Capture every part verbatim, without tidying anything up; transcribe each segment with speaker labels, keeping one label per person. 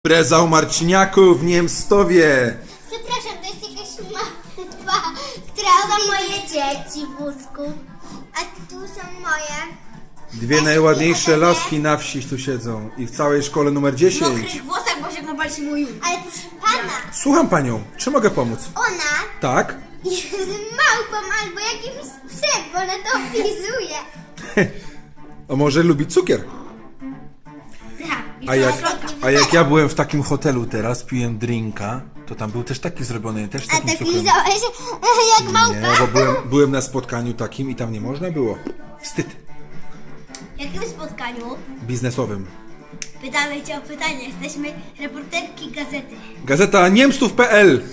Speaker 1: Impreza u Marciniaków w Niemstowie.
Speaker 2: Przepraszam, to jest jakaś małpa, która
Speaker 3: To
Speaker 2: opisuje...
Speaker 3: moje dzieci w wózku.
Speaker 2: A tu są moje.
Speaker 1: Dwie najładniejsze laski na wsi tu siedzą i w całej szkole numer
Speaker 3: W
Speaker 1: dziesięć.
Speaker 3: mokrych włosach, bo się napalić mój.
Speaker 2: Ale proszę pana,
Speaker 1: Słucham panią, czy mogę pomóc?
Speaker 2: ona
Speaker 1: Tak?
Speaker 2: jest małpą albo jakimś psem, bo ona to opisuje.
Speaker 1: A może lubi cukier? A jak, a jak ja byłem w takim hotelu teraz, piłem drinka, to tam był też taki zrobiony, też z
Speaker 2: A
Speaker 1: takim
Speaker 2: tak
Speaker 1: cukrem.
Speaker 2: lizałeś jak małpa?
Speaker 1: Nie, bo byłem, byłem na spotkaniu takim i tam nie można było. Wstyd.
Speaker 3: W jakim spotkaniu?
Speaker 1: Biznesowym.
Speaker 3: Pytamy cię o pytanie. Jesteśmy reporterki gazety.
Speaker 1: Gazeta niemstów kropka p l.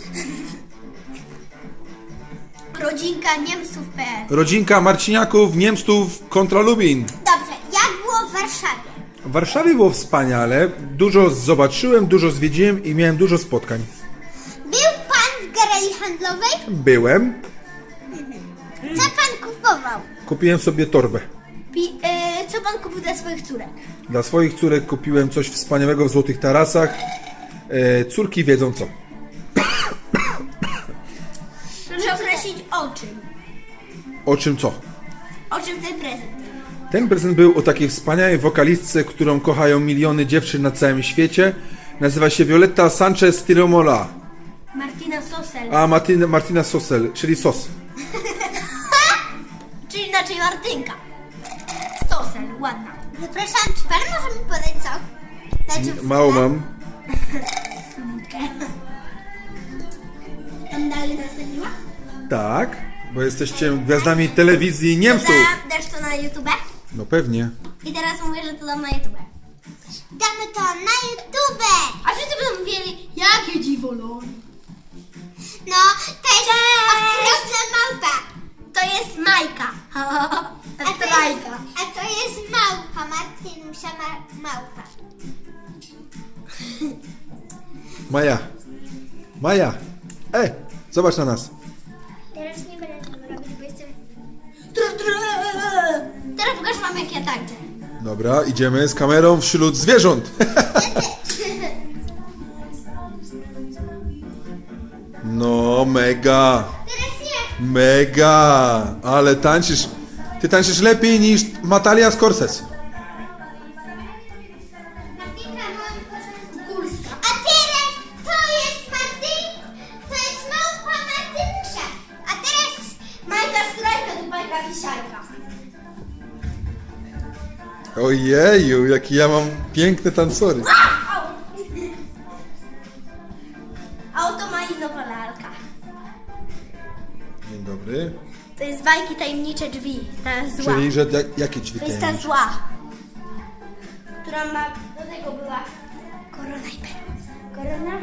Speaker 3: Rodzinka Niemców kropka p l.
Speaker 1: Rodzinka Marciniaków, Niemstów kontra Lubin.
Speaker 2: Dobrze, jak było w Warszawie?
Speaker 1: W Warszawie było wspaniale. Dużo zobaczyłem, dużo zwiedziłem i miałem dużo spotkań.
Speaker 2: Był pan w galerii handlowej?
Speaker 1: Byłem,
Speaker 2: Co pan kupował?
Speaker 1: kupiłem sobie torbę.
Speaker 3: Pi- e, co pan kupił dla swoich córek?
Speaker 1: Dla swoich córek kupiłem coś wspaniałego w Złotych Tarasach. E, córki wiedzą co.
Speaker 3: Proszę określić o czym.
Speaker 1: O czym co?
Speaker 3: O czym ten prezent?
Speaker 1: Ten prezent był o takiej wspaniałej wokalistce, którą kochają miliony dziewczyn na całym świecie. Nazywa się Violetta Sanchez Tiromola.
Speaker 3: Martina Sosel.
Speaker 1: A Martina, Martina Sosel, czyli sos.
Speaker 3: Czyli inaczej Martynka. Sosel, ładna.
Speaker 2: Zapraszam, czy pan może mi podać co? Znaczy
Speaker 1: Mało mam.
Speaker 3: Tam dalej nastąpiła?
Speaker 1: Tak, bo jesteście gwiazdami telewizji Niemców.
Speaker 3: Dobra, dasz to na YouTube?
Speaker 1: No pewnie.
Speaker 3: I teraz mówię, że to dam na YouTube.
Speaker 2: Damy to na YouTube!
Speaker 3: A wszyscy będą mówili, jakie dziwolony.
Speaker 2: No, to jest okropna małpa.
Speaker 3: To jest Majka.
Speaker 2: A to jest, a to jest małpa, Martynusia ma, małpa.
Speaker 1: Maja. Maja. Ej, zobacz na nas.
Speaker 2: Teraz nie będę tego robić, bo jestem...
Speaker 3: Tru, tru. Teraz pokażę wam, jak ja tańczę.
Speaker 1: Dobra, idziemy z kamerą wśród zwierząt. No, mega.
Speaker 2: Teraz nie.
Speaker 1: Mega. Ale tańczysz. Ty tańczysz lepiej niż Natalia Scorsese.
Speaker 2: Martynka, mam porządku górska. A teraz to jest Martyn... To jest małpa Martynusia. A teraz...
Speaker 3: Majka strajka, tu bajka wisiajka.
Speaker 1: Ojeju, jaki ja mam piękne tancory.
Speaker 3: A oto malinowa lalka.
Speaker 1: Dzień dobry.
Speaker 3: To jest bajki tajemnicze drzwi. Ta zła.
Speaker 1: Czyli, że jak, jakie drzwi
Speaker 3: To jest ta
Speaker 1: tajemnicze?
Speaker 3: zła. Która ma... Do tego była korona i perła. Korona.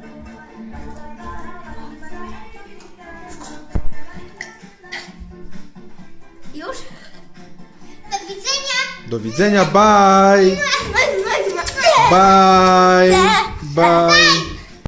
Speaker 3: Już?
Speaker 2: Do widzenia.
Speaker 1: Do widzenia, bye! Bye! Bye!